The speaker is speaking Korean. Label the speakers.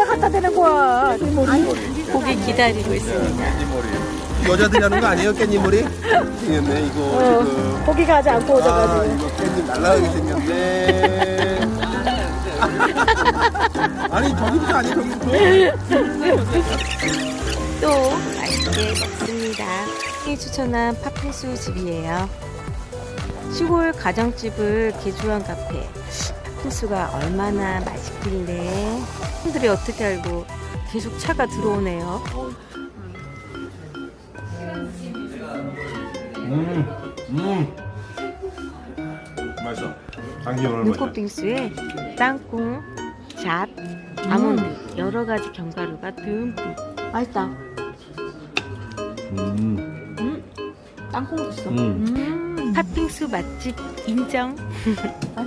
Speaker 1: 갖다 대는 거야?
Speaker 2: 고기 기다리고 있습니다.
Speaker 3: 여자들이 하는 거 아니에요? 깻잎머리? 생겼네 이거 지금.
Speaker 1: 고기 가지 않고
Speaker 3: 아
Speaker 1: 오져가지고.
Speaker 3: 이거 깻잎 날라가게 생겼네. 아니 저기부터 아니 저기부터.
Speaker 2: 또 맛있게 먹습니다. 이 추천한 팥빙수 집이에요. 시골 가정집을 개조한 카페. 팥빙수가 얼마나 맛있길래 사람들이 어떻게 알고 계속 차가 들어오네요.
Speaker 3: 맛있어. 당기 오늘 맛있어.
Speaker 2: 눈꽃빙수에 땅콩, 잣, 아몬드 여러 가지 견과류가 듬뿍. 맛있다.
Speaker 1: 땅콩 있어.
Speaker 2: 팥빙수 맛집 인정.